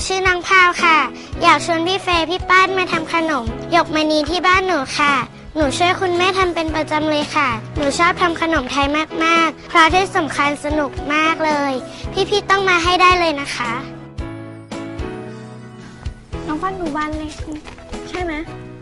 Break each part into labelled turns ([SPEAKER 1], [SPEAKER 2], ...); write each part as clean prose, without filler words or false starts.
[SPEAKER 1] ชื่อนางพาวค่ะอยากชวนพี่เฟย์พี่ป้านมาทำขนมหยกมณีที่บ้านหนูค่ะหนูช่วยคุณแม่ทำเป็นประจำเลยค่ะหนูชอบทำขนมไทยมากๆเพราะที่สำคัญสนุกมากเลยพี่ๆต้องมาให้ได้เลยนะคะ
[SPEAKER 2] น้องป้านดูบ้านเลขใช่ไหม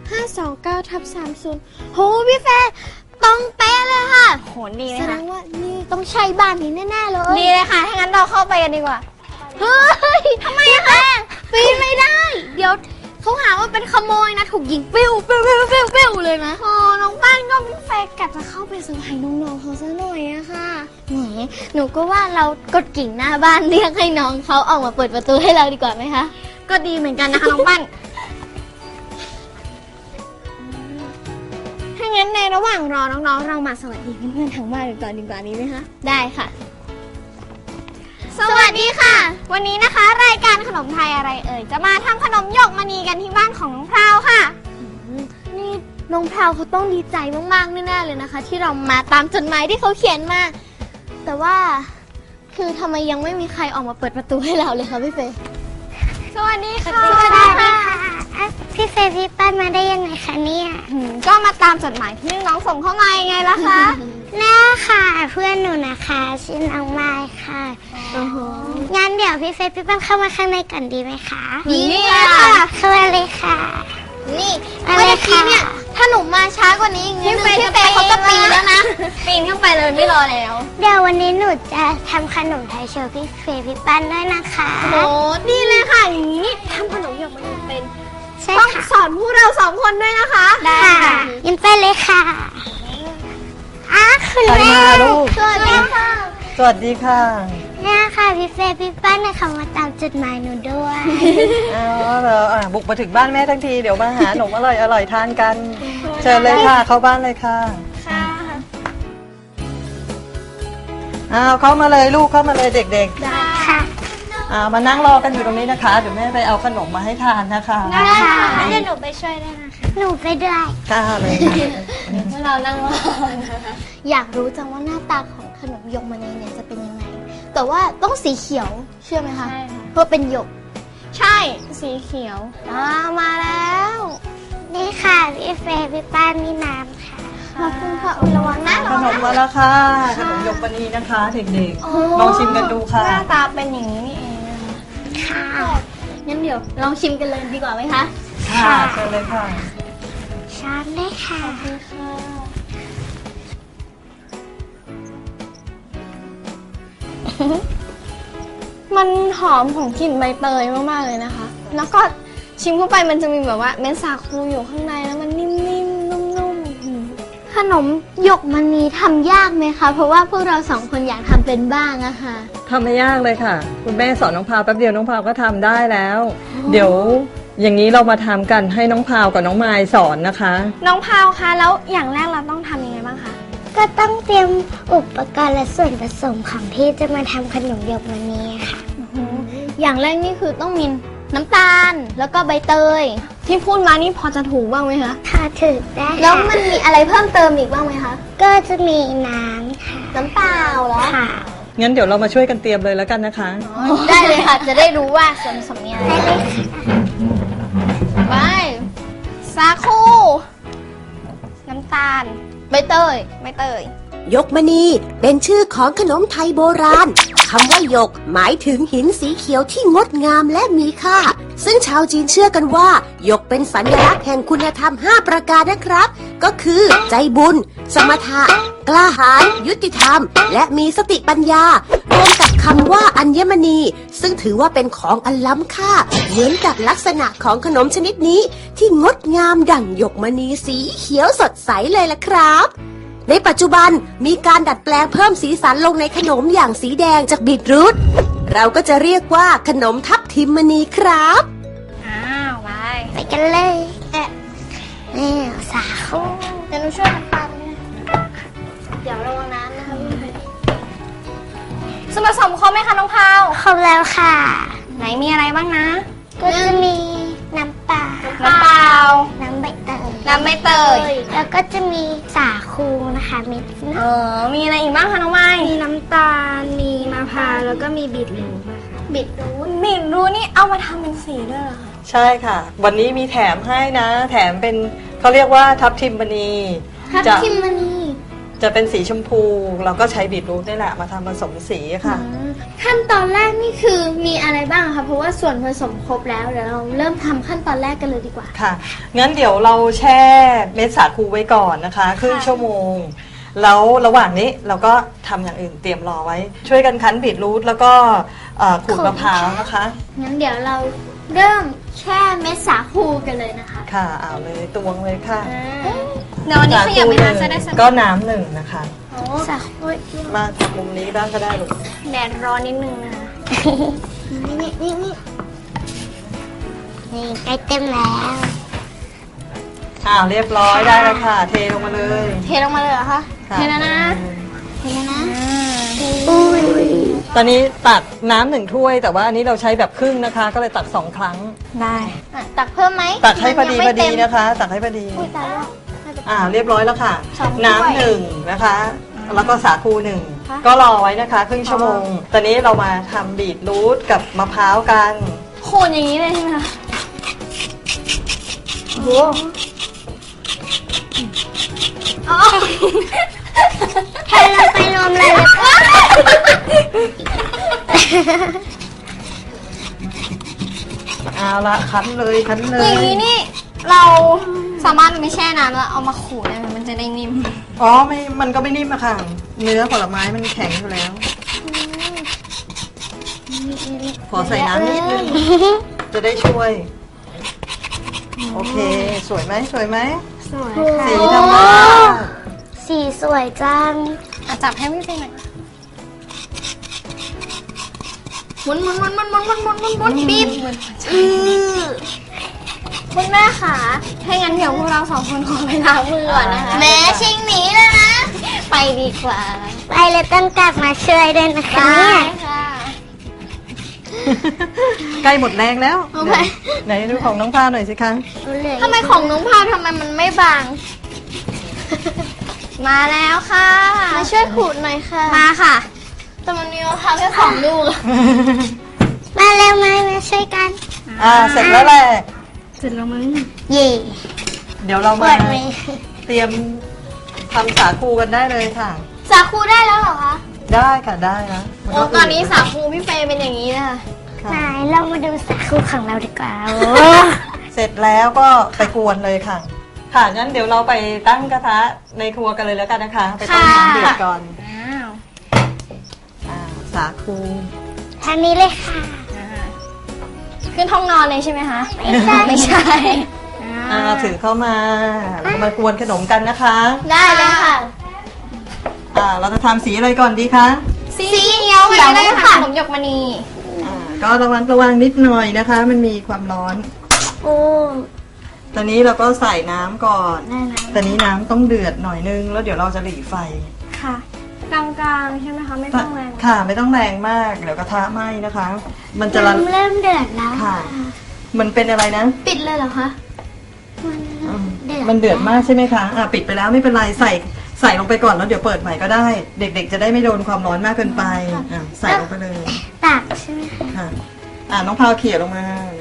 [SPEAKER 2] 529/30โหพี่เฟย์ตรงเป๊ะเลยค่ะโหดีเลยค่ะแสดงว่านี่ต้องใช่บ้านนี้แน่ๆเลยดีเลยค่ะถ้างั้นเราเข้าไปกันดีกว่าเฮ้ยทำไมคะปีนไม่ได้เดี๋ยวเขาหาว่าเป็นขโมยนะถูกยิงปิ้วเลยนะอ๋อน้องป้านก็พี่เฟย์กะจะเข้าไปเซอร์ไพรส์น้องๆเขาซะหน่อยอะค่ะแหมหนูก็ว่าเรากดกิ่งหน้าบ้านเรียกให้น้องเขาออกมาเปิดประตูให้เราดีกว่าไหมคะก็ดีเหมือนกันนะคะน้องป้านถ้างั้นในระหว่างรอน้องๆเรามาสวัสดีเพื่อนๆทางบ้านกันก่อนดีกว่านี้ไหมคะได้ค่ะสวัสดีค่ะวันนี้นะคะรายการขนมไทยอะไรเอ่ยจะมาทำขนมหยกมณีกันที่บ้านของน้องพราวค่ะนี่น้องพราวเขาต้องดีใจมากๆแน่ๆเลยนะคะที่เรามาตามจดหมายที่เขาเขียนมาแต่ว่าคือทำไมยังไม่มีใครออกมาเปิดประตูให้เราเลยคะพี่เฟย์สวัสดีค่ะ
[SPEAKER 1] พี่เฟย์พี่ป้านมาได้ยังไงคะเนี่ย
[SPEAKER 2] ก็มาตามจดหมายที่น้องส่งเข้ามาไงล่ะคะ
[SPEAKER 1] น่าค่ะเพื่อนหนูนะคะชื่อน้องไม้ค่ะงั้นเดี๋ยวพี่เฟย์พี่ป้านเข้ามาข้างในกันดีไหมคะ
[SPEAKER 2] ดีค่ะ
[SPEAKER 1] เข้ามาเลยค่ะ
[SPEAKER 2] นี่เมื่อกี้เนี่ยถ้าหนูมาช้ากว่านี้พี่เฟย์เขาจะปีนแล้วนะปีนขึ้นไปเลยไม่รอแล้ว
[SPEAKER 1] เดี๋ยววันนี้หนูจะทำขนมไทยโชว์พี่เฟย์พี่ป้านด้วยนะคะ
[SPEAKER 2] โอ้ดีเลยค่ะอย่างนี้ทำขนมหยกมันเป็นต้องสอนพวกเรา2 คนด้วยนะคะ
[SPEAKER 1] ได้ค่ะยินไปเลยค่ะคุณแม่
[SPEAKER 2] สวัสดีค่ะ
[SPEAKER 3] สวัสดีค่ะ
[SPEAKER 1] เนี่ยค่ะพี่เฟย์พี่ป้านนะคะมาตามจดหมายหนูด้วย
[SPEAKER 3] เหรอบุกมาถึงบ้านแม่ทั้งทีเดี๋ยวมาหาขนมอร่อยทานกันเชิญเลยค่ะเข้าบ้านเลยค่ะเข้ามาเลยลูกเข้ามาเลยเด็กๆ
[SPEAKER 1] ได้ค่ะ
[SPEAKER 3] มานั่งรอกันอยู่ตรงนี้นะคะเดี๋ยวแม่ไปเอาขนมมาให้ทานนะคะ
[SPEAKER 1] ได้ค่ะเดี๋ยวหนูไปช่วยได้นะคะหนูไปด้วย
[SPEAKER 3] ค่ะเลย
[SPEAKER 2] เรานั่งรออยากรู้จังว่าหน้าตาของขนมหยกมณีเนี่ยจะเป็นยังไงแต่ว่าต้องสีเขียวเชื่อไหมคะใช่เพราะเป็นหยกใช่สีเขียวมาแล้ว
[SPEAKER 1] นี่ค่ะพี่เฟย์พี่ป้านมีน้ำค่ะ
[SPEAKER 2] ขอบคุณค่ะระวังนะ
[SPEAKER 3] ขนมมาแล้วค่ะขนมหยกมณีนะคะเด็กๆลองชิมกันดูค่ะ
[SPEAKER 2] หน้าตาเป็นอย่างนี้นี่เอง
[SPEAKER 1] ค่ะ
[SPEAKER 2] งั้นเดี๋ยวลองชิมกันเลยดีกว่าไหมคะ
[SPEAKER 3] ค่ะเชิญเลยค่ะ
[SPEAKER 1] ช้อนเลยค่ะ
[SPEAKER 2] มันหอมของกลิ่นใบเตยมากๆเลยนะคะแล้วก็ชิมเข้าไปมันจะมีแบบว่าเม็ดสาคูอยู่ข้างในแล้วมันนิ่มๆนุ่มๆขนมหยกมณีทำยากไหมคะเพราะว่าพวกเรา2 คนอยากทำเป็นบ้างอะค่ะ
[SPEAKER 3] ทำไม่ยากเลยค่ะคุณแม่สอนน้องพาวแป๊บเดียวน้องพาวก็ทำได้แล้วเดี๋ยวอย่างนี้เรามาทำกันให้น้องพาวกับน้องไมล์สอนนะคะ
[SPEAKER 2] น้องพาวคะแล้วอย่างแรกเราต้องทำยังไงบ้างคะ
[SPEAKER 1] ก็ต้องเตรียมอุปกรณ์และส่วนผสมของที่จะมาทำขนมหยกมณีค่ะ
[SPEAKER 2] อย่างแรกนี่คือต้องมีน้ำตาลแล้วก็ใบเตยที่พูดมานี่พอจะถูกบ้างไหมคะ
[SPEAKER 1] ค่ะถูกได้
[SPEAKER 2] แล้วมันมีอะไรเพิ่มเติมอีกบ้างไหมคะ
[SPEAKER 1] ก็จะมีน้ำค่ะ
[SPEAKER 2] น้ำเปล่าเหรอ
[SPEAKER 1] ค่ะ
[SPEAKER 3] งั้นเดี๋ยวเรามาช่วยกันเตรียมเลยแล้วกันนะคะ
[SPEAKER 2] ได้เลยค่ะจะได้รู้ว่าส่วนผสมมีอะไรไปสาคูน้ำตาลใบเตย
[SPEAKER 4] หยกมณีเป็นชื่อของขนมไทยโบราณคำว่าหยกหมายถึงหินสีเขียวที่งดงามและมีค่าซึ่งชาวจีนเชื่อกันว่าหยกเป็นสัญลักษณ์แห่งคุณธรรม5 ประการนะครับก็คือใจบุญสมถะกล้าหาญยุติธรรมและมีสติปัญญารวมกับคำว่าอัญมณีซึ่งถือว่าเป็นของอันล้ำค่าเหมือนกับลักษณะของขนมชนิดนี้ที่งดงามดั่งหยกมณีสีเขียวสดใสเลยล่ะครับในปัจจุบันมีการดัดแปลงเพิ่มสีสันลงในขนมอย่างสีแดงจากบีทรูทเราก็จะเรียกว่าขนมทับทิมมณีครับ
[SPEAKER 1] ไปกันเลยนี่สาคู
[SPEAKER 2] เดี๋ยวหนูช่วยกันปั่นเดี๋ยวระวังน้ำนะคะส่วนผสมครบไหมคะน้องพาว
[SPEAKER 1] ครบแล้วค่ะ
[SPEAKER 2] ไหนมีอะไรบ้างนะ
[SPEAKER 1] ก็จะมีน้ำเปล่าน้ำใบเตยแล้วก็จะมีสาคูนะคะเม็ด
[SPEAKER 2] มีอะไรอีกบ้างคะน้องไม้
[SPEAKER 5] มีน้ำตาลมีมะพร้าว
[SPEAKER 1] แล้วก็มีบีทรูท
[SPEAKER 2] บิดรูนี่เอามาทำเป็นสีด้วยเหรอคะ
[SPEAKER 3] ใช่ค่ะ วันนี้มีแถมให้นะ แถมเป็นเขาเรียกว่าทับทิมมณี
[SPEAKER 2] ทับทิมมณี
[SPEAKER 3] จะเป็นสีชมพูเราก็ใช้บีทรูทนี่แหละมาทำผสมสีค่ะ
[SPEAKER 2] ขั้นตอนแรกนี่คือมีอะไรบ้างคะเพราะว่าส่วนผสมครบแล้วเดี๋ยวเราเริ่มทำขั้นตอนแรกกันเลยดีกว่า
[SPEAKER 3] ค่ะ งั้นเดี๋ยวเราแช่เม็ดสาคูไว้ก่อนนะคะครึ่งชั่วโมง แล้วระหว่างนี้เราก็ทำอย่างอื่นเตรียมรอไว้ ช่วยกันคั้นบีทรูทแล้วก็ขูดมะพร้าวนะคะ
[SPEAKER 2] งั้นเดี๋ยวเราเริ่มแช่เม็ดสาคูกันเลยนะคะ
[SPEAKER 3] ค่ะเอาเลยตวงเลยค่ะ
[SPEAKER 2] เดี๋ยววันนี้ขยับไปทางจะได้สนุก
[SPEAKER 3] ก็น้ำหนึ่งนะคะ
[SPEAKER 2] โอ้
[SPEAKER 1] สาคู
[SPEAKER 3] มาจากมุมนี้บ้างก็ได้ลูก
[SPEAKER 2] แดดร้อนนิดนึงนะคะ
[SPEAKER 1] นี่ใกล้เต็มแล้ว
[SPEAKER 3] เรียบร้อยได้แล้วค่ะ เทลงมาเลย
[SPEAKER 2] เทลงมาเลยเหรอคะ
[SPEAKER 3] ค่ะ
[SPEAKER 2] เทแล้วนะเทแล้วนะ
[SPEAKER 3] ตอนนี้ตักน้ำหนึ่งถ้วย แต่ว่าอันนี้เราใช้แบบครึ่งนะคะ ก็เลยตัก2 ครั้ง
[SPEAKER 2] ได้ตักเพิ่มไหม
[SPEAKER 3] ตักให้พอดี
[SPEAKER 2] มัน
[SPEAKER 3] พ
[SPEAKER 2] ยั
[SPEAKER 3] อง
[SPEAKER 2] ไม่
[SPEAKER 3] ดี
[SPEAKER 2] เต็ม
[SPEAKER 3] นะคะ ตักให้พอดี
[SPEAKER 2] อุ้ยตายแล้ว
[SPEAKER 3] เรียบร้อยแล้วค่ะ
[SPEAKER 2] สองถ้วย
[SPEAKER 3] น้ำหนึ่งนะคะ แล้วก็สาคูหนึ่ง
[SPEAKER 2] ค่ะ
[SPEAKER 3] ก็รอไว้นะคะครึ่งชั่วโมง ตอนนี้เรามาทำบีทรูทกับมะพร้าวกัน
[SPEAKER 2] โขนอย่างนี้เลยใช่ไหมคะโอ้โหอ๋อ
[SPEAKER 1] เทลงไปรวมเลย
[SPEAKER 3] เอาละคั้นเลยคั้นเล
[SPEAKER 2] อย ย่างนี้นี่เราสามารถไม่แช่น้ำแล้วเอามาขูดได้ไหมมันจะได้นิ่ม
[SPEAKER 3] อ๋อไม่มันก็ไม่นิ่มอะค่ะ เนื้อผลไม้มันแข็งอยู่แล้ว ขอใส่น้ำนิดนึง จะได้ช่วย โอเค สวยไหมสวยไหม
[SPEAKER 1] สวย
[SPEAKER 3] สีธรรมชาติ
[SPEAKER 1] สีสวยจัง
[SPEAKER 2] จับให้พี่เฟยหน่อยหมุนบีบคุณแม่ค่ะถ้างั้นเดี๋ยวพวกเรา2 คนขอไปล้างมือก่อนนะคะแม่ชิงหนีแล้วนะ ไปดีกว่า
[SPEAKER 1] ไปเลยต้องกลับมาช่วยด้วยนะคะเนี่ย
[SPEAKER 2] ค่ะ
[SPEAKER 3] ใกล้หมดแรงแล้ว
[SPEAKER 2] โอเค
[SPEAKER 3] ไหนดูของน้องพาหน่อยสิคะ
[SPEAKER 2] ทำไมของน้องพาวทำไมมันไม่บาง มาแล้วค่ะ มาช่วยขูดหน่อยค่ะ มาค่ะ แต่มันมีมะพร้าวแค่2 ลูก
[SPEAKER 1] มาเร็วมาช่วยกัน
[SPEAKER 3] เสร็จแล้วแหละ
[SPEAKER 1] เสร็จแล้วมั้งเย่
[SPEAKER 3] เดี๋ยวเรา
[SPEAKER 1] เปิ
[SPEAKER 3] มา
[SPEAKER 1] ดไหม
[SPEAKER 3] เตรียมทำสาคูกันได้เลยค่ะ
[SPEAKER 2] สาคูได้แล้วเหรอคะ
[SPEAKER 3] ได้ค่ะได้นะมั
[SPEAKER 2] โอ้
[SPEAKER 3] ก็
[SPEAKER 2] ตอนนี้สาคูพี่เฟย์เป็นอย่างนี้นะคะ
[SPEAKER 3] ค่ะ
[SPEAKER 1] ไหนเรามาดูสาคูของเราดีกว่าโอ้
[SPEAKER 3] เสร็จแล้วก็ไปกวนเลยค่ะ ค่ะงั้นเดี๋ยวเราไปตั้งกระทะในครัวกันเลยแล้วกันนะคะ ไปต้มน้ำเดือดก่อน
[SPEAKER 2] อ้าว
[SPEAKER 3] สาคู
[SPEAKER 1] ทางนี้เลยค่ะ
[SPEAKER 2] ขึ้นห้องนอนเลยใช่ไหมคะ
[SPEAKER 1] ไม่ใช่
[SPEAKER 3] ถือเข้ามามากวนขนมกันนะคะ
[SPEAKER 2] ได้เลยค่ะ
[SPEAKER 3] เราจะทำสีอะไรก่อนดีคะ
[SPEAKER 2] สีเขียวเลยค่ะขนมหยกมณี
[SPEAKER 3] ก็ระวังนิดหน่อยนะคะ มันมีความร้อน
[SPEAKER 1] โอ้
[SPEAKER 3] ตอนนี้เราก็ใส่น้ำก่อน
[SPEAKER 1] ได้นะ
[SPEAKER 3] ตอนนี้น้ำต้องเดือดหน่อยนึง แล้วเดี๋ยวเราจะหลีไฟ
[SPEAKER 2] ค่ะ กลางๆใช่ไหมคะ ไม่ต้องแรง
[SPEAKER 3] ค่ะ ไม่ต้องแรงมาก เดี๋ยวกระทะไหม้นะคะ มันจะละ
[SPEAKER 1] น้ำเริ่มเดือดแล้ว
[SPEAKER 3] ค่ะ มันเป็นอะไรนะ
[SPEAKER 2] ปิดเลยเหรอคะ
[SPEAKER 3] มันเดือดมากใช่ไหมคะปิดไปแล้วไม่เป็นไร ใส่ลงไปก่อนแล้วเดี๋ยวเปิดใหม่ก็ได้ เด็กๆจะได้ไม่โดนความร้อนมากเกินไปใส่ลงไปเลย
[SPEAKER 1] ตักใช่ไหม
[SPEAKER 3] ค่ะน้องพาวเขี่ยลงมา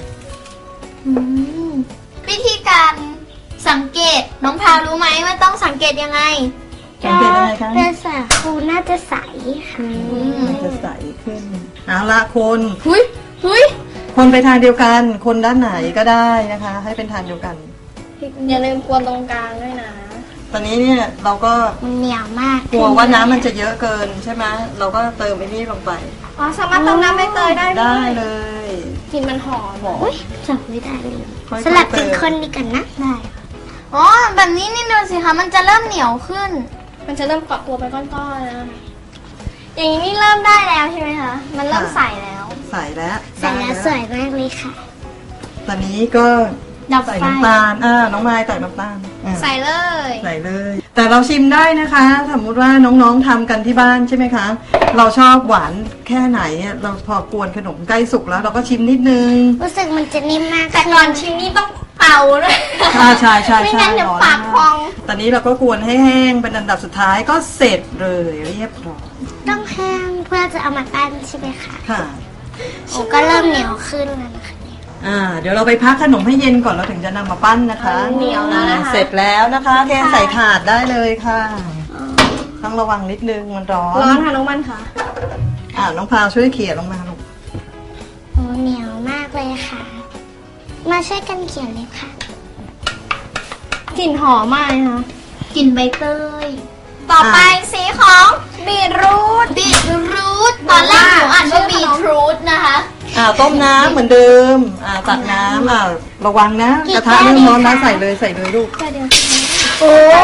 [SPEAKER 2] วิธีการสังเกตน้องพาวรู้ไหมว่าต้องสังเกตยังไง
[SPEAKER 3] สังเกตยังไงคะ
[SPEAKER 1] เป็นสาคูน่าจะใสค่ะ
[SPEAKER 3] มันจะใสขึ้นเอาละคน
[SPEAKER 2] หุย
[SPEAKER 3] คนไปทางเดียวกัน คนด้านไหนก็ได้นะคะ ให้เป็นทางเดียวกัน
[SPEAKER 2] อย่าลืมกวนตรงกลางด้วยนะ
[SPEAKER 3] ตอนนี้เนี่ยเราก็
[SPEAKER 1] มันเหนียวมาก
[SPEAKER 3] กลัวว่าน้ำมันจะเยอะเกินใช่ไหมเราก็เติมไอ้นี่ลงไป
[SPEAKER 2] อ๋อสามารถเติมน้ำใบเตยได้ด้
[SPEAKER 3] ได้
[SPEAKER 2] วย
[SPEAKER 3] เลย
[SPEAKER 2] กลิ่นมันหอม
[SPEAKER 1] อุ้ยจับไม่ได้เลย
[SPEAKER 3] ค่อยๆ
[SPEAKER 1] สลับเป็น
[SPEAKER 3] เติม
[SPEAKER 1] คนดีกันนะได้
[SPEAKER 2] อ๋อแบบนี้นี่ดูสิคะมันจะเริ่มเหนียวขึ้น มันจะเริ่มเกาะตัวเป็นก้อนๆแล้วอย่างนี้นี่เริ่มได้แล้วใช่ไหมคะมันเริ่มใสแล้ว
[SPEAKER 3] ใส่แล้ว
[SPEAKER 1] เสร็จแล้ว
[SPEAKER 3] ได้
[SPEAKER 1] สวยมากเลยค่ะ
[SPEAKER 3] ตอนนี้ก็
[SPEAKER 2] ดับ
[SPEAKER 3] ใส่
[SPEAKER 2] ไฟ
[SPEAKER 3] น้ำตาลน้องไม้ใส่น้ำตาล
[SPEAKER 2] ใส่เลย
[SPEAKER 3] ใส่เลย แต่เราชิมได้นะคะ สมมุติว่าน้องๆทำกันที่บ้านใช่ไหมคะ เราชอบหวานแค่ไหนเราพอกวนขนมใกล้สุกแล้วเราก็ชิมนิดนึง
[SPEAKER 1] รู้สึกมันจะนิ่มมาก
[SPEAKER 2] แต่ก่อนชิมนี่ต้องเป่าด้วย
[SPEAKER 3] ใช่
[SPEAKER 2] ไม่งั้นเดี๋ยวปากพอง
[SPEAKER 3] ตอนนี้เราก็กวนให้แห้งเป็นอันดับสุดท้ายก็เสร็จเลยเรียบร้อย
[SPEAKER 1] ต้องแห้งเพื่อจะเอามาปั้นใช่ไหมคะ
[SPEAKER 3] ค่ะ
[SPEAKER 1] โอ้ก็เริ่มเหนียวขึ้นแล้วนะคะเนี่ย
[SPEAKER 3] เดี๋ยวเราไปพักขนมให้เย็นก่อนเราถึงจะนำมาปั้นนะคะ
[SPEAKER 2] เหนียวแล้วนะคะ
[SPEAKER 3] เสร็จแล้วนะคะเทใส่ถาดได้เลยค่ะต้องระวังนิดนึงมันร้อน
[SPEAKER 2] ร้อนค่ะน้องมันค่ะ
[SPEAKER 3] น้องพาวช่วยเขี่ยลงมาลูก
[SPEAKER 1] โอ้เหนียวมากเลยค่ะ มาช่วยกันเขียนเลยค่ะ
[SPEAKER 2] กลิ่นหอมมากเลยค่ะกลิ่นใบเตย ต่อไปสีของบีทรูทตอนแรกหนูอ่านว่าบีทรูทนะคะ
[SPEAKER 3] ต้มน้ำเหมือนเดิมตักน้ำระวังนะกระทะเริ่มร้อนนะใส่เลยลูก
[SPEAKER 1] โอ้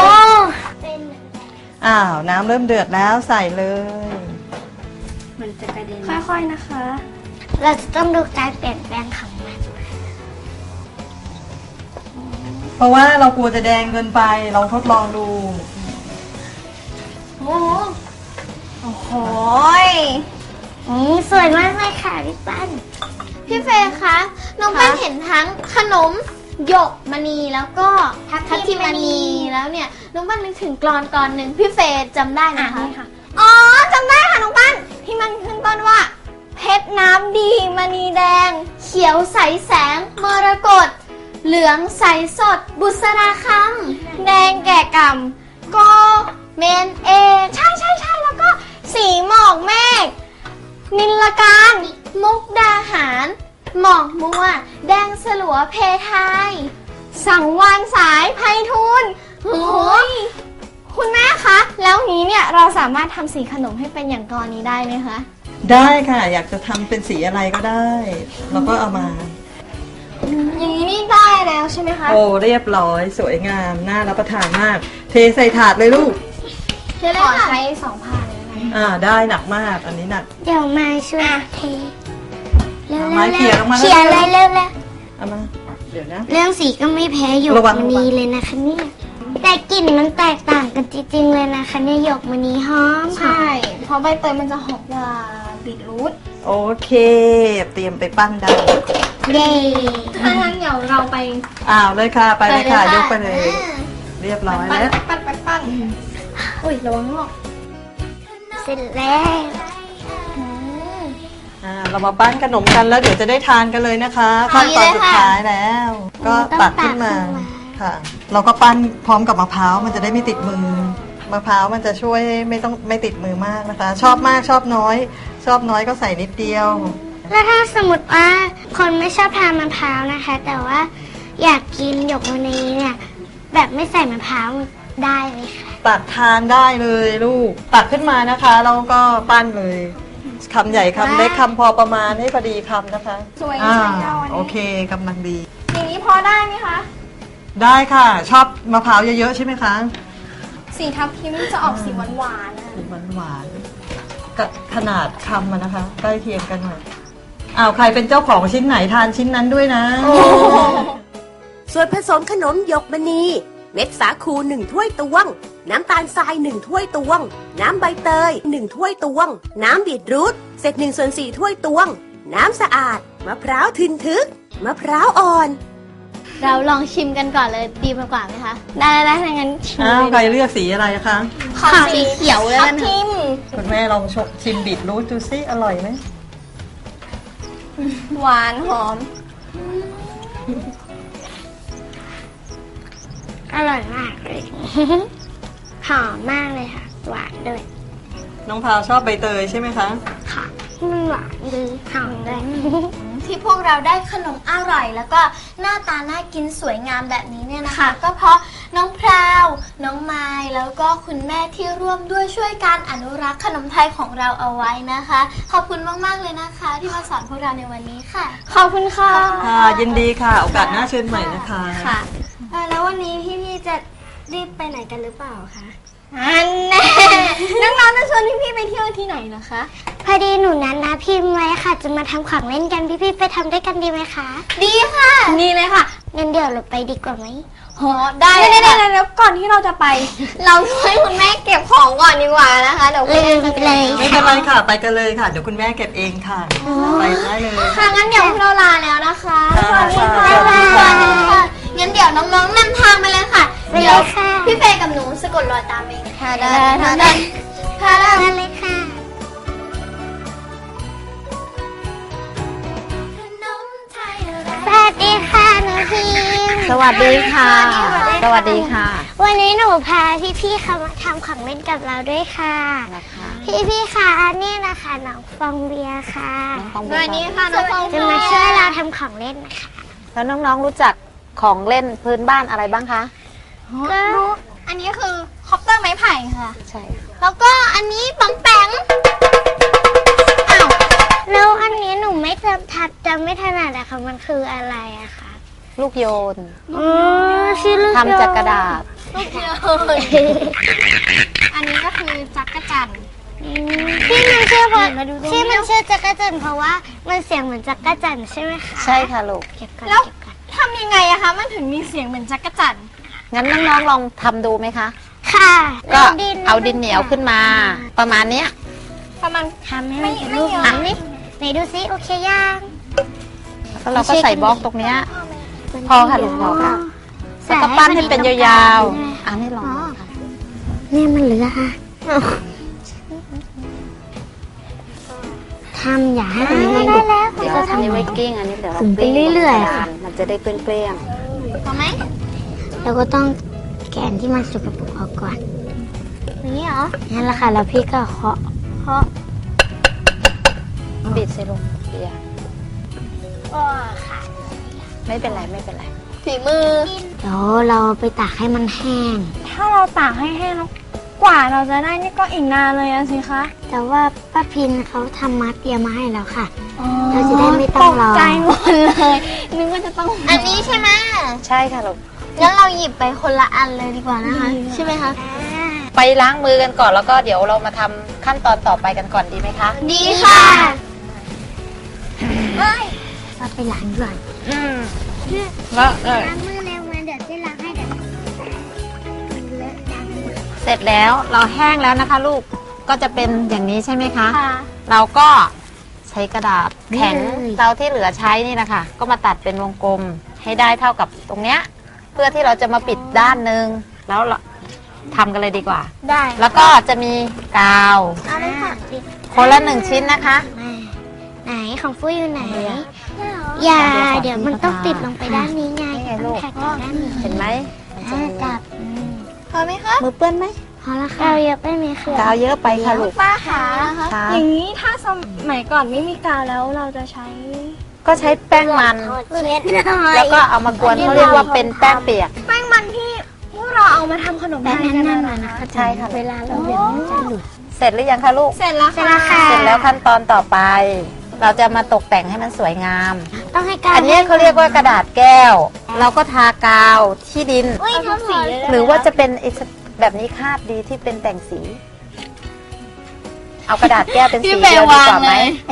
[SPEAKER 3] น้ำเริ่มเดือดแล้วใส่เลย
[SPEAKER 2] มันจะกระเด็นค่อยๆนะคะ
[SPEAKER 1] เราจะต้องดูการเปลี่ยนแปลงของมัน
[SPEAKER 3] เพราะว่าเรากลัวจะแดงเกินไปเราทดลองดู
[SPEAKER 2] โอ้โห
[SPEAKER 1] สวยมากเลยค่ะพี่ปั้น
[SPEAKER 2] พี่เฟย์คะน้องปั้นเห็นทั้งขนมหยกมณีแล้วก็ทับทิมมณีแล้วเนี่ยน้องปั้นนึกถึงกลอนหนึ่งพี่เฟย์จำได้ไหมคะอ๋อจำได้ค่ะน้องปั้นที่มันขึ้นต้นว่า เพชรน้ำดีมณีแดง เขียวใสแสงมรกตเหลืองใสสดบุษราคำแดงแก่กำก็เมนเอใช่แล้วก็สีหมอกเมฆนิลการมุกดาหารหมอกมัวแดงสลัวเพทายสังวานสายไพฑูรย์โอ้ยคุณแม่คะแล้วนี้เนี่ยเราสามารถทำสีขนมให้เป็นอย่างกรนี้ได้ไหมคะ
[SPEAKER 3] ได้ค่ะอยากจะทำเป็นสีอะไรก็ได้แล้วก็เอามา
[SPEAKER 2] อย่างนี้นี่ได้แล้วใช่ไหมคะ
[SPEAKER 3] โอ้เรียบร้อยสวยงามน่ารับประทานมาก เทใส่ถาดเลยลูก
[SPEAKER 2] ขอใช้2 ผ่านเลยนะ
[SPEAKER 3] ได้หนักมากอันนี้หนัก
[SPEAKER 1] เดี๋ยวมาช่วยเทเร็ว
[SPEAKER 3] เอาไม้เขี่ยลงมา
[SPEAKER 1] เขียนเลยเร็ว
[SPEAKER 3] เอามาเดี๋ยวนะ
[SPEAKER 1] เรื่องสีก็ไม่แพ้หยก
[SPEAKER 3] ระวัง
[SPEAKER 1] มณีเลยนะคะเนี่ยแต่กลิ่นมันแตกต่างกันจริงๆเลยนะคะเนี่ยหยกมณีหอม
[SPEAKER 2] ใช่เพราะใบเตยมันจะหอมกว่าบีทรูท
[SPEAKER 3] โอเคเตรียมไปปั้นได้
[SPEAKER 1] เย้
[SPEAKER 2] ถ้างั้นเดี๋ยวเราไป
[SPEAKER 3] เลยค่ะไปเลยค่ะยกไปเลย เรียบร้อยแล้ว
[SPEAKER 2] ปั้นอุ้ยระวังงอก
[SPEAKER 1] เสร็จแล้ว
[SPEAKER 3] เรามาปั้นขนมกันแล้วเดี๋ยวจะได้ทานกันเลยนะคะขั้นตอนสุดท้ายแล้ว ก็ตักขึ้นมาค่ะ เราก็ปั้นพร้อมกับมะพร้าวมันจะได้ไม่ติดมือมะพร้าวมันจะช่วยไม่ติดมือมากนะคะ ชอบมากชอบน้อย ชอบน้อยก็ใส่นิดเดียว
[SPEAKER 1] แล้วถ้าสมมติว่าคนไม่ชอบทานมะพร้าวนะคะ แต่ว่าอยากกินหยกมณีเนี่ยแบบไม่ใส่มะพร้าวได้ไหมคะ
[SPEAKER 3] ตักทานได้เลยลูกตักขึ้นมานะคะแล้วก็ปั้นเลยคำใหญ่คำเล็กคำพอประมาณให้พอดีคำนะคะ
[SPEAKER 2] สวย
[SPEAKER 3] อ่า
[SPEAKER 2] ใช่เอาอัน
[SPEAKER 3] โอ
[SPEAKER 2] นี้
[SPEAKER 3] เคกำลังดี
[SPEAKER 2] อย่างนี้พอได้ไหมคะ
[SPEAKER 3] ได้ค่ะ ชอบมะพร้าวเยอะๆใช่ไหมคะ
[SPEAKER 2] สีทับทิมจะออกสีหวานๆนะ
[SPEAKER 3] หวานๆกับขนาดคำมันนะคะ ใกล้เคียงกันหน่อยใครเป็นเจ้าของชิ้นไหนทานชิ้นนั้นด้วยนะ
[SPEAKER 4] ส่วนผสมขนมหยกมณี เม็ดสาคู1 ถ้วยตวง น้ำตาลทราย1 ถ้วยตวง น้ำใบเตย1 ถ้วยตวง น้ำบีทรูทเศษ1/4 ถ้วยตวง น้ำสะอาดมะพร้าวทึนทึกมะพร้าวอ่อน
[SPEAKER 2] เราลองชิมกันก่อนเลยดีมากกว่าไหมคะ ได้ถ้างั้นชิม
[SPEAKER 3] ใครเลือกสีอะไรคะ
[SPEAKER 2] ขอสีเขียวเลยทับทิม
[SPEAKER 3] คุณแม่ลองชิมบีทรูทดูซิอร่อยไหม
[SPEAKER 2] หวานหอม
[SPEAKER 1] อร่อยมากเลย หอมมากเลยค่ะ หวานด้วย
[SPEAKER 3] น้องพาวชอบใบเตยใช่ไหมคะ
[SPEAKER 1] ค่ะมันหวานดีหอมด้วย
[SPEAKER 2] ที่พวกเราได้ขนมอร่อย แล้วก็หน้าตาน่ากินสวยงามแบบนี้เนี่ยนะคะ ก็เพราะน้องพราว น้องไม้แล้วก็คุณแม่ที่ร่วมด้วยช่วยการอนุรักษ์ขนมไทยของเราเอาไว้นะคะ ขอบคุณมากๆเลยนะคะ ที่มาสอนพวกเราในวันนี้ค่ะ ขอบคุณค่ะ
[SPEAKER 3] ค่ะยินดีค่ะ โอกาสหน้าเชิญใหม่นะคะ
[SPEAKER 2] ค่ะ
[SPEAKER 1] แล้ววันนี้พี่ๆจะรีบไปไหนกันหรือเปล่าคะ
[SPEAKER 2] อันแน่ น้องๆจะชวนพี่ๆไปเที่ยวที่ไหนเหรอคะ
[SPEAKER 1] พอดีหนูนั้นนะพิมพ์ไว้ค่ะ จะมาทำของเล่นกันพี่ๆไปทำด้วยกันดีไหมคะ
[SPEAKER 2] ดีค่ะ นี่เลยค่ะ
[SPEAKER 1] งั้นเดี๋ยวเราไปดีกว่าไหม
[SPEAKER 2] โหได้แล้วก่อนที่เราจะไป เราช่วยคุณแม่เก็บของก่อนดีกว่านะคะเดี๋ยว
[SPEAKER 1] ลืมไปเลย
[SPEAKER 3] ไม่เป็นไรค่ะ ไปกันเลยค่ะ เดี๋ยวคุณแม่เก็บเองค่ะ ไปได้เลย
[SPEAKER 2] ค่ะงั้นเดี๋ยวเราลาแล้วนะคะ
[SPEAKER 3] ค่ะ
[SPEAKER 2] สวัสดีค่ะ
[SPEAKER 1] บ๊ายบาย
[SPEAKER 2] สวัสดีค่ะงั้นเดี๋ยวน้องๆนำทางไปเลยค่ะ
[SPEAKER 1] ไปเลย
[SPEAKER 2] เดี๋ยว
[SPEAKER 1] ค่ะ
[SPEAKER 2] พี่เฟย์กับหนูสะกดรอยตามเองค่ะ
[SPEAKER 1] ได้
[SPEAKER 2] ค่ะ
[SPEAKER 1] ได้เลยค่ะ
[SPEAKER 2] สวัสดีค่ะ สวัสดีค่ะ
[SPEAKER 1] วันนี้หนูพาพี่ๆเขามาทำของเล่นกับเราด้วยค่ะ พี่ๆค่ะนี่นะคะน้องฟองเบียร์ค่ะ
[SPEAKER 2] สวัสดีค่ะน้องฟอง
[SPEAKER 1] จะมาช่วยเราทำของเล่นนะคะ
[SPEAKER 2] แล้วน้องๆรู้จักของเล่นพื้นบ้านอะไรบ้างคะ
[SPEAKER 1] ก็
[SPEAKER 5] อันนี้คือคอปเตอร์ไม้ไผ่ค่ะ
[SPEAKER 2] ใช่
[SPEAKER 5] แล้วก็อันนี้ปังแปง
[SPEAKER 1] แล้วอันนี้หนูไม่จำไม่ถนัดอะค่ะมันคืออะไรอะคะ
[SPEAKER 2] ลูกโยน
[SPEAKER 1] อ๋อชื่อลูก
[SPEAKER 2] ทำจากกระดาษ
[SPEAKER 5] ลูกเยอะอันนี้ก็คือจักรจันทร์
[SPEAKER 1] ที่มันชื่อเพราะที่มันชื่อจักรจันทร์เพราะว่ามันเสียงเหมือนจักรจันทร์ใช่ไหมคะ
[SPEAKER 2] ใช่ค่ะลูก
[SPEAKER 1] เก็บก่อน
[SPEAKER 5] แล้ว
[SPEAKER 1] เก็บก่อน
[SPEAKER 5] ทำยังไงอะคะมันถึงมีเสียงเหมือนจักรจันทร์
[SPEAKER 2] งั้นน้องๆลองทำดูไหมคะ
[SPEAKER 1] ค่ะ
[SPEAKER 2] ก็เอาดินเหนียวขึ้นมา ประมาณเนี้ย
[SPEAKER 5] ประมาณ
[SPEAKER 1] ทำให้มันเป็นรูป
[SPEAKER 5] ไม่
[SPEAKER 1] นี้ไหนดูซิโอเคยัง
[SPEAKER 2] แล้วเราก็ใส่บล็อกตรงเนี้ย พอค่ะลูกพอค่ะ แล้วก็ปั้นให้เป็นยาวๆอันนี้ลองดูค่ะ
[SPEAKER 1] เนี่ยมันเหลือค่ะทำอย่าให้มันไม่ได้แล้ว
[SPEAKER 2] เดี๋ยวอันนี้ไว้กิ้งอันนี้เดี๋ยวเรา
[SPEAKER 1] ถึงไปเรื่อยๆค่ะ
[SPEAKER 2] มันจะได้เปรี้ยง
[SPEAKER 5] พอไหม
[SPEAKER 1] แล้วก็ต้องแกนที่มันสกปรกออกก่อน
[SPEAKER 5] อย่างนี้เหรอ
[SPEAKER 1] นั่นแหละค่ะแล้วพี่ก็เคาะ
[SPEAKER 2] ๆบิดใส่ลงเบียร์
[SPEAKER 5] ก็ค่ะ
[SPEAKER 2] ไม่เป็นไรไม่เป็นไร
[SPEAKER 5] ฝีมือ
[SPEAKER 1] เดี๋ยวเราไปตากให้มันแห้ง
[SPEAKER 5] ถ้าเราตากให้แห้งแล้วกว่าเราจะได้นี่ก็อีกนานเลยอะสิคะ
[SPEAKER 1] แต่ว่าป้าพินเขาทำมัดเตรียมมาให้แล้วค่ะ เราจะได้ไม่ต้องรอ
[SPEAKER 5] ตกใจหมดเลยนึกว่าจะต้อง
[SPEAKER 1] อันนี้ใช่ไหม
[SPEAKER 2] ใช่ค่ะลูก
[SPEAKER 1] งั้นเราหยิบไปคนละอันเลยดีกว่านะคะ ใช่ไหมคะ
[SPEAKER 2] ไปล้างมือกันก่อนแล้วก็เดี๋ยวเรามาทำขั้นตอนต่อไปกันก่อนดีไหมคะ
[SPEAKER 1] ดีค่ะเราไปล้างก่อน
[SPEAKER 2] แล้ว
[SPEAKER 1] ล้างมือเร็วมาเดี๋ยวจะล้างให้เดี๋ยวเลอะล้างมือ
[SPEAKER 2] เสร็จแล้วเราแห้งแล้วนะคะ ลูกก็จะเป็นอย่างนี้ใช่ไหมคะ
[SPEAKER 5] ค่ะ
[SPEAKER 2] เราก็ใช้กระดาษแข็ง
[SPEAKER 1] นี่เลย
[SPEAKER 2] เราที่เหลือใช้นี่นะคะก็มาตัดเป็นวงกลมให้ได้เท่ากับตรงเนี้ยเพื่อที่เราจะมาปิดด้านหนึ่งแล้วเราทำกันเลยดีกว่า
[SPEAKER 5] ได้
[SPEAKER 2] แล้วก็จะมีกาว
[SPEAKER 1] เอาเลยค่ะ
[SPEAKER 2] คนละ1 ชิ้นนะคะ
[SPEAKER 1] ไหนของฟุ้ยอยู่ไหน อย่า เดี๋ยวมันต้องติดลงไปด้านนี้ไง
[SPEAKER 2] นี่ไงลูก
[SPEAKER 1] ต้องแท็กจากด้านนี้
[SPEAKER 2] เห็นไหม
[SPEAKER 1] จับ
[SPEAKER 5] พอไหมคะ
[SPEAKER 2] มือเปื้อนไหม
[SPEAKER 1] พอแล้วค่ะเยอะไปไหมคะ
[SPEAKER 2] กาวเยอะไปค่ะลูก
[SPEAKER 5] ป้าขา
[SPEAKER 2] ค่ะ
[SPEAKER 5] อย่างนี้ถ้าสมัยก่อนไม่มีกาวแล้วเราจะใช้
[SPEAKER 2] ก็ใช้แป้งมัน
[SPEAKER 1] เช็ดหน่อย
[SPEAKER 2] แล้วก็เอามากวนเขาเรียกว่าเป็นแป้งเปียก
[SPEAKER 5] แป้งมันที่พวกเราเอามาทำขนม
[SPEAKER 1] แต่
[SPEAKER 5] ไทย
[SPEAKER 1] นั่
[SPEAKER 5] กัน
[SPEAKER 1] น
[SPEAKER 5] นะ
[SPEAKER 1] ๆนะคะ
[SPEAKER 2] ใช่ค่ะ
[SPEAKER 1] เวลาเราเดี๋ยวมันจะหลุด
[SPEAKER 2] เสร็จหรือยังคะลูก
[SPEAKER 5] เสร็จแล้ว
[SPEAKER 1] เสร็จแล้วค่ะ
[SPEAKER 2] เสร็จแล้วขั้นตอนต่อไป เราจะมาตกแต่งให้มันสวยงาม
[SPEAKER 1] ต้องให้กาว
[SPEAKER 2] อันนี้เขาเรียกว่ากระดาษแก้ว เราก็ทากาวที่ดิน
[SPEAKER 1] อุ้ยทำสี
[SPEAKER 2] หรือว่าจะเป็นไอ้แบบนี้คาดดีที่เป็นแต่งสี เอากระดาษแก้วเป็นสีเดียวดีกว่าไหม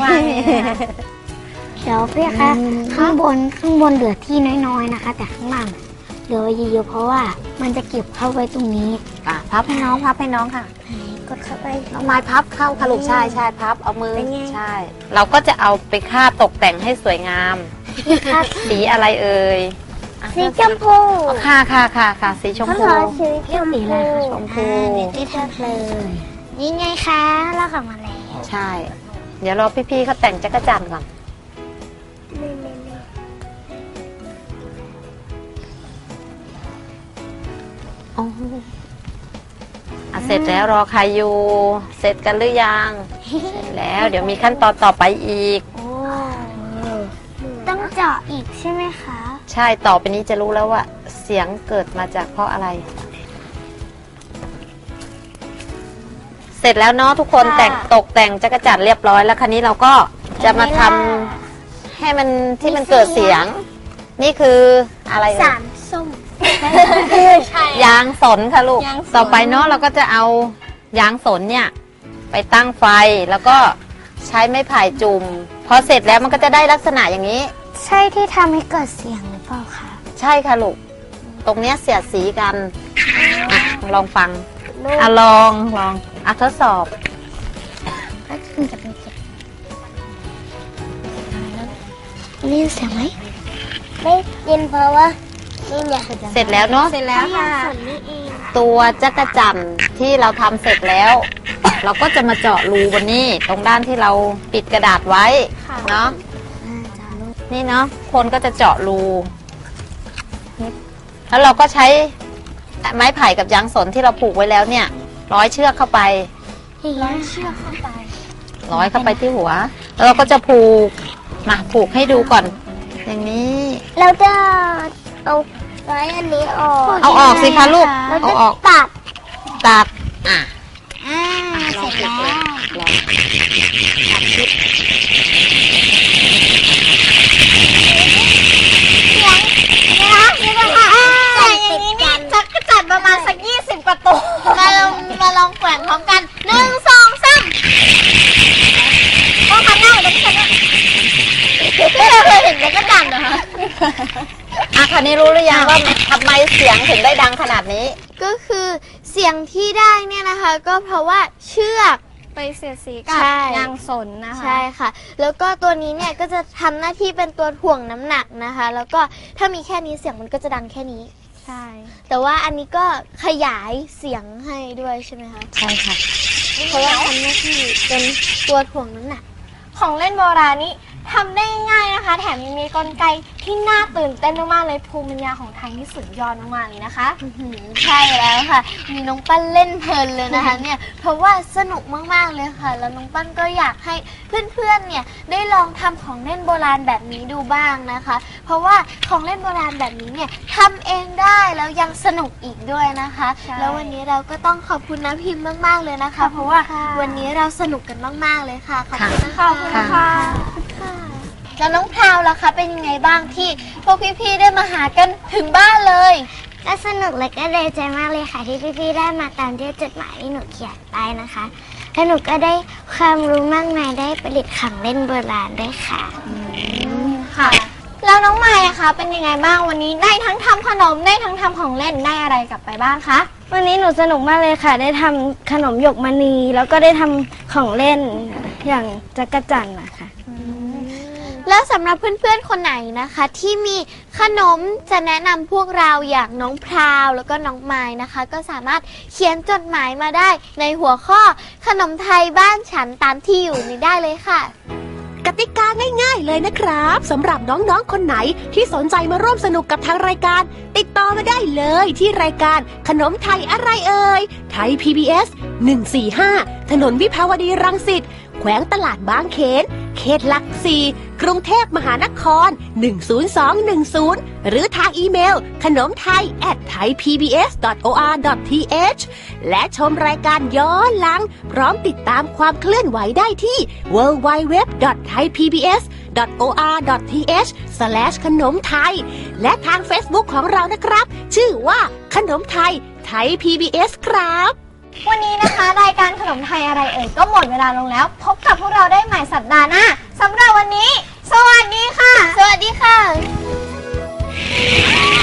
[SPEAKER 1] เดี๋ยวพี่คะข้างบนเหลือที่น้อยๆนะคะ แต่ข้างล่างเหลือไว้เยอะๆเพราะว่ามันจะเก็บเข้าไว้ตรงนี้
[SPEAKER 2] พับให้น้องพับให้น้องค่ะ
[SPEAKER 1] กดเข้าไป
[SPEAKER 2] น้องไม้พับเข้าค่ะลูกใช่ใช่พับเอามือ
[SPEAKER 1] เป็นไง
[SPEAKER 2] ใช่ เราก็จะเอาไปคาดตกแต่งให้สวยงาม
[SPEAKER 1] ครับ
[SPEAKER 2] สีอะไรเอ่ยอ่ะ
[SPEAKER 1] สีชมพู
[SPEAKER 2] อ๋อค่ะค่ะค่ะค่ะสีชมพู
[SPEAKER 1] สีชมพู
[SPEAKER 2] ชมพู
[SPEAKER 1] นี่ทำเลยนี่ไงคะเรากลับมาแล้ว
[SPEAKER 2] ใช่ เดี๋ยวรอพี่ๆเขาแต่งจักรจันทร์ก่อนอ๋ออ่ะเสร็จแล้วรอใครอยู่ เสร็จกันหรือยัง เสร็จแล้ว เดี๋ยวมีขั้นตอนต่อไปอีก
[SPEAKER 1] โอ้ต้องเจาะอีกใช่ไหมคะ
[SPEAKER 2] ใช่ต่อไปนี้จะรู้แล้วว่า เสียงเกิดมาจากเพราะอะไร เสร็จแล้วเนาะทุกคนแต่งตกแต่งจักรจันทร์เรียบร้อยแล้วคันนี้เราก็จะมาทำให้มันที่มันเกิดเสียง นี่คืออะไรเอ่ย
[SPEAKER 1] สารส้ม
[SPEAKER 2] ยางสนค่ะลูก ต่อไปเนาะเราก็จะเอายางสนเนี่ยไปตั้งไฟแล้วก็ใช้ไม้ไผ่จุ่มพอเสร็จแล้วมันก็จะได้ลักษณะอย่างนี้
[SPEAKER 1] ใช่ที่ทำให้เกิดเสียงหรือเปล่าคะ
[SPEAKER 2] ใช่ค่ะลูก ตรงเนี้ยเสียดสีกันอ่ะลองฟังอ่ะลองอ่ะทดสอบ
[SPEAKER 1] ก็คือจะเป็นเสียงได้ยินเสียงไหมได้ยินเพราะว่านี่ไง
[SPEAKER 2] เสร็จแล้วเนาะ
[SPEAKER 5] เสร็จแล้วค่ะ
[SPEAKER 1] ส่วนนี้เอง
[SPEAKER 2] ตัวจักรจั่นที่เราทำเสร็จแล้ว เราก็จะมาเจาะรูบนนี้ตรงด้านที่เราปิดกระดาษไว้เนาะนี่เนาะคนก็จะเจาะรู
[SPEAKER 6] แล้วเราก็ใช้ไม้ไผ่กับยางสนที่เราผูกไว้แล้วเนี่ยร้อยเชือกเข้าไป
[SPEAKER 2] ร้อยเชือกเข้าไป
[SPEAKER 6] ร้อยเข้าไปที่หัว แล้วเราก็จะผูกมาผูกให้ดูก่อน อย่างนี้
[SPEAKER 1] เราจะเอาไว้อันนี้ออก
[SPEAKER 6] เอาออกสิคะลูก
[SPEAKER 1] เรา
[SPEAKER 6] เอา
[SPEAKER 1] จะ
[SPEAKER 6] ออก
[SPEAKER 1] ตัด
[SPEAKER 6] ตัดอ่ะ
[SPEAKER 1] เสร็จแล้วใส่อย่างนี้นี่
[SPEAKER 2] จักรจัดประมาณสัก20 กว่าตัวมาลองแขวนพร้อมกัน1 2 3ต้องทำหน้าเหมือนกันนะไม่เคยเห็นจักรจันเหรอคะ
[SPEAKER 6] อ่ะคันนี้รู้หรือยังว่าทำไมเสียงถึงได้ดังขนาดนี้
[SPEAKER 2] ก็คือเสียงที่ได้เนี่ยนะคะ ก็เพราะว่าเชือก
[SPEAKER 5] ไปเสียดสีกับ
[SPEAKER 2] ใช่
[SPEAKER 5] ยางสนนะคะ
[SPEAKER 2] ใช่ค่ะ แล้วก็ตัวนี้เนี่ยก็จะทำหน้าที่เป็นตัวถ่วงน้ำหนักนะคะ แล้วก็ถ้ามีแค่นี้เสียงมันก็จะดังแค่นี้
[SPEAKER 5] ใช่
[SPEAKER 2] แต่ว่าอันนี้ก็ขยายเสียงให้ด้วยใช่ไหมคะ
[SPEAKER 6] ใช่ค่ะ
[SPEAKER 2] เพราะว่าทำหน้าที่เป็นตัวถ่วงน้ำหนัก
[SPEAKER 5] ของเล่นโบราณนี้ทำได้ง่ายนะคะ แถมยังมีกลไกที่น่าตื่นเต้นมากๆเลยภูมิปัญญาของไทยที่สุดยอดมากๆเลยนะคะ
[SPEAKER 2] ใช่แล้วค่ะ มีน้องปั้นเล่นเพลินเลยนะคะเนี่ย เพราะว่าสนุกมากๆเลยค่ะ แล้วน้องปั้นก็อยากให้เพื่อนๆ เนี่ยได้ลองทำของเล่นโบราณแบบนี้ดูบ้างนะคะ เพราะว่าของเล่นโบราณแบบนี้เนี่ยทำเองได้แล้วยังสนุกอีกด้วยนะคะ
[SPEAKER 5] ใช่
[SPEAKER 2] แล้ววันนี้เราก็ต้องขอบคุณน้ำพิมพ์มากๆเลยนะคะ เพราะว่าวันนี้เราสนุกกันมากๆเลยค่ะ ขอบคุณนะคะ
[SPEAKER 5] ขอบคุณค่ะ
[SPEAKER 2] แล้วน้องพราวล่ะคะเป็นยังไงบ้างที่พวกพี่ๆได้มาหากันถึงบ้านเลย
[SPEAKER 1] ก็สนุกและก็ดีใจมากเลยค่ะ ที่พี่ๆได้มาตามที่จดหมายที่หนูเขียนไปนะคะและหนูก็ได้ความรู้มากมายได้ประดิษฐ์ของเล่นโบราณด้วยค่ะ
[SPEAKER 5] ค่ะ แล้วน้องไมค์อะคะเป็นยังไงบ้างวันนี้ได้ทั้งทำขนมได้ทั้งทำของเล่นได้อะไรกลับไปบ้างคะ
[SPEAKER 1] วันนี้หนูสนุกมากเลยค่ะ ได้ทำขนมหยกมณีแล้วก็ได้ทำของเล่นอย่างจักรจั่นนะคะ
[SPEAKER 2] แล้วสำหรับเพื่อนๆคนไหนนะคะ ที่มีขนมจะแนะนำพวกเราอย่างน้องพราวแล้วก็น้องไม้นะคะ ก็สามารถเขียนจดหมายมาได้ในหัวข้อขนมไทยบ้านฉันตามที่อยู่นี้ได้เลยค่ะ
[SPEAKER 4] กติกาง่ายๆเลยนะครับสำหรับน้องๆคนไหนที่สนใจมาร่วมสนุกกับทางรายการ ติดต่อมาได้เลยที่รายการขนมไทยอะไรเอ่ยไทย PBS 145 ถนนวิภาวดีรังสิตแขวงตลาดบางเขนเขตหลัก4กรุงเทพมหานคร 10210 หรือทางอีเมลขนมไทย @thaipbs.or.th และชมรายการย้อนหลังพร้อมติดตามความเคลื่อนไหวได้ที่ www.thaipbs.or.th ขนมไทยและทาง Facebook ของเรานะครับ ชื่อว่าขนมไทยไทย PBS ครับ
[SPEAKER 5] วันนี้นะคะรายการขนมไทยอะไรเอ่ยก็หมดเวลาลงแล้ว พบกับพวกเราได้ใหม่สัปดาห์หน้าสำหรับวันนี้ สวัสดีค่ะ
[SPEAKER 2] สวัสดีค่ะ